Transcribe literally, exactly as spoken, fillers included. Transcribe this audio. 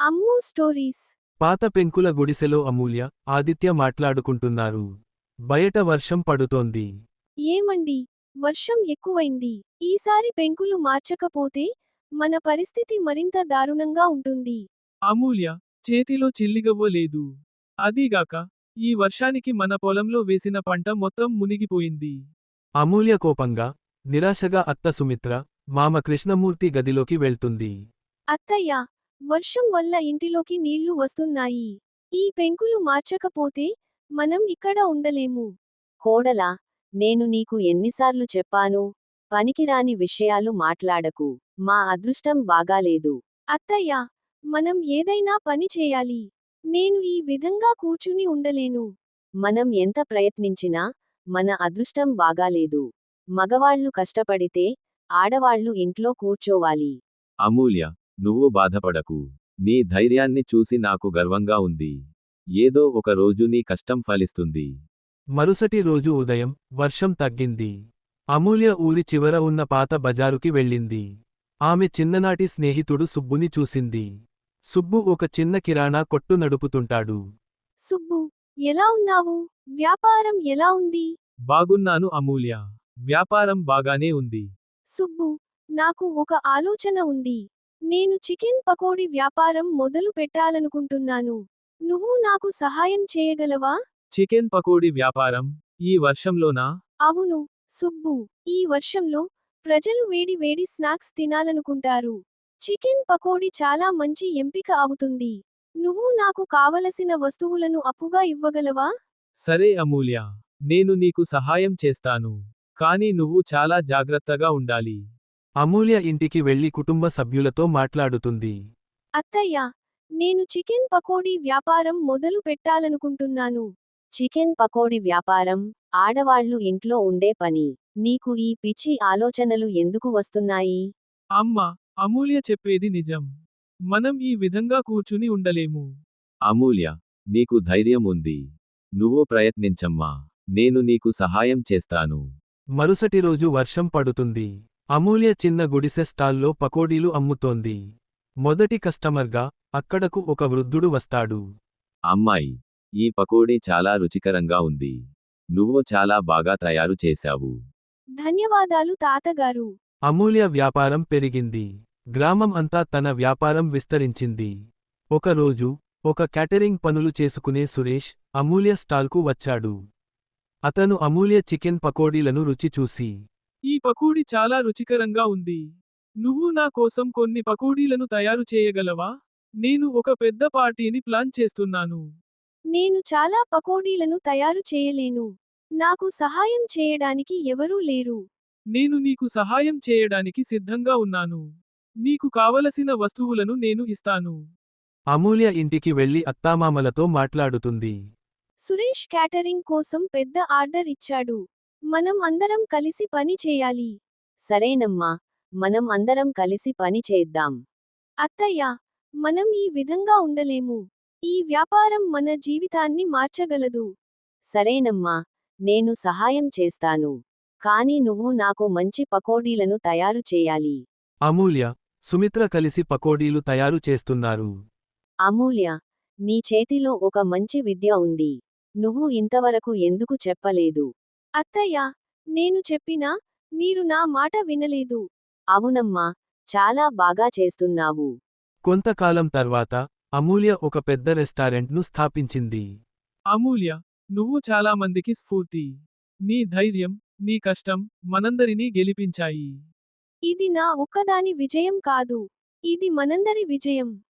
అమ్ము stories. పాత పెంకుల గుడిసెలో అమూల్య, ఆదిత్య మాట్లాడుకుంటున్నారు. బయట వర్షం పడుతోంది. ఏమండి, వర్షం ఎక్కువైంది. ఈసారి పెంకులు మార్చకపోతే మన పరిస్థితి మరింత దారుణంగా ఉంటుంది. అమూల్య, చేతిలో చిల్లిగవ్వ లేదు. అదీగాక ఈ వర్షానికి మన పొలంలో వేసిన పంట మొత్తం మునిగిపోయింది. అమూల్య కోపంగా, నిరాశగా అత్త సుమిత్ర, మామ కృష్ణమూర్తి గదిలోకి వెళ్తుంది. అత్తయ్య, వర్షం వల్ల ఇంటిలోకి నీళ్లు వస్తున్నాయి. ఈ పెంకులు మార్చకపోతే మనం ఇక్కడ ఉండలేము. కోడలా, నేను నీకు ఎన్నిసార్లు చెప్పాను, పనికిరాని విషయాలు మాట్లాడకు. మా అదృష్టం బాగాలేదు. అత్తయ్య, మనం ఏదైనా పని చేయాలి. నేను ఈ విధంగా కూర్చుని ఉండలేను. మనం ఎంత ప్రయత్నించినా మన అదృష్టం బాగాలేదు. మగవాళ్లు కష్టపడితే ఆడవాళ్లు ఇంట్లో కూర్చోవాలి. అమూల్య, నువ్వు బాధపడకు. నీ ధైర్యాన్ని చూసి నాకు గర్వంగా ఉంది. ఏదో ఒక రోజు నీ కష్టం ఫలిస్తుంది. మరుసటి రోజు ఉదయం, వర్షం తగ్గింది. అమూల్య ఊరి చివర ఉన్న పాత బజారుకి వెళ్ళింది. ఆమె చిన్ననాటి స్నేహితుడు సుబ్బుని చూసింది. సుబ్బు ఒక చిన్న కిరాణా కొట్టు నడుపుతుంటాడు. సుబ్బు, ఎలా ఉన్నావు? వ్యాపారం ఎలా ఉంది? బాగున్నాను అమూల్య. వ్యాపారం బాగానే ఉంది. సుబ్బు, నాకు ఒక ఆలోచన ఉంది. నేను చికెన్ పకోడీ వ్యాపారం మొదలు పెట్టాలనుకుంటున్నాను. నువ్వు నాకు సహాయం చేయగలవా? చికెన్ పకోడీ వ్యాపారం ఈ వర్షంలోనా? అవును, సుబ్బు. ఈ వర్షంలో ప్రజలు వేడి వేడి స్నాక్స్ తినాలనుకుంటారు. చికెన్ పకోడీ చాలా మంచి ఎంపిక అవుతుంది. నువ్వు నాకు కావలసిన వస్తువులను అప్పుగా ఇవ్వగలవా? సరే అమూల్య, నేను నీకు సహాయం చేస్తాను. కానీ నువ్వు చాలా జాగ్రత్తగా ఉండాలి. అమూల్య ఇంటికి వెళ్లి కుటుంబ సభ్యులతో మాట్లాడుతుంది. అత్తయ్య, నేను చికెన్ పకోడీ వ్యాపారం మొదలు పెట్టాలనుకుంటున్నాను. చికెన్ పకోడీ వ్యాపారం ఆడవాళ్లు ఇంట్లో ఉండే పని. నీకు ఈ పిచ్చి ఆలోచనలు ఎందుకు వస్తున్నాయి? అమ్మా, అమూల్య చెప్పేది నిజం. మనం ఈ విధంగా కూర్చుని ఉండలేము. అమూల్య, నీకు ధైర్యం ఉంది. నువ్వు ప్రయత్నించమ్మా. నేను నీకు సహాయం చేస్తాను. మరుసటి రోజు వర్షం పడుతుంది. అమూల్య చిన్న గుడిసె స్టాల్లో పకోడీలు అమ్ముతోంది. మొదటి కస్టమర్గా అక్కడకు ఒక వృద్ధుడు వస్తాడు. అమ్మాయి, ఈ పకోడీ చాలా రుచికరంగా ఉంది. నువ్వు చాలా బాగా తయారు చేశావు. ధన్యవాదాలు తాతగారు. అమూల్య వ్యాపారం పెరిగింది. గ్రామం అంతా తన వ్యాపారం విస్తరించింది. ఒకరోజు, ఒక క్యాటరింగ్ పనులు చేసుకునే సురేష్, అమూల్య స్టాల్కు వచ్చాడు. అతను అమూల్య చికెన్ పకోడీలను రుచి చూసి, ఈ పకోడీ చాలా రుచికరంగా ఉంది. నువ్వు నా కోసం కొన్ని పకోడీలను తయారు చేయగలవా? నేను ఒక పెద్ద పార్టీని ప్లాన్ చేస్తున్నాను. నేను చాలా పకోడీలను తయారు చేయలేను. నాకు సహాయం చేయడానికి ఎవరూ లేరు. నేను నీకు సహాయం చేయడానికి సిద్ధంగా ఉన్నాను. నీకు కావలసిన వస్తువులను నేను ఇస్తాను. అమూల్య ఇంటికి వెళ్లి అత్తామామలతో మాట్లాడుతుంది. సురేష్ క్యాటరింగ్ కోసం పెద్ద ఆర్డర్ ఇచ్చాడు. మనం అందరం కలిసి పని చేయాలి. సరేనమ్మా, మనం అందరం కలిసి పని చేద్దాం. అత్తయ్య, మనం ఈ విధంగా ఉండలేము. ఈ వ్యాపారం మన జీవితాన్ని మార్చగలదు. సరేనమ్మా, నేను సహాయం చేస్తాను. కానీ నువ్వు నాకు మంచి పకోడీలను తయారు చేయాలి. అమూల్య, సుమిత్ర కలిసి పకోడీలు తయారు చేస్తున్నారు. అమూల్య, నీ చేతిలో ఒక మంచి విద్య ఉంది. నువ్వు ఇంతవరకు ఎందుకు చెప్పలేదు? అత్తయ్య, నేను చెప్పినా మీరు నా మాట వినలేదు. అవునమ్మా, చాలా బాగా చేస్తున్నావు. కొంతకాలం తర్వాత, అమూల్య ఒక పెద్ద రెస్టారెంట్ను స్థాపించింది. అమూల్య, నువ్వు చాలా మందికి స్ఫూర్తి. నీ ధైర్యం, నీ కష్టం మనందరినీ గెలిపించాయి. ఇది నా ఒక్కదాని విజయం కాదు. ఇది మనందరి విజయం.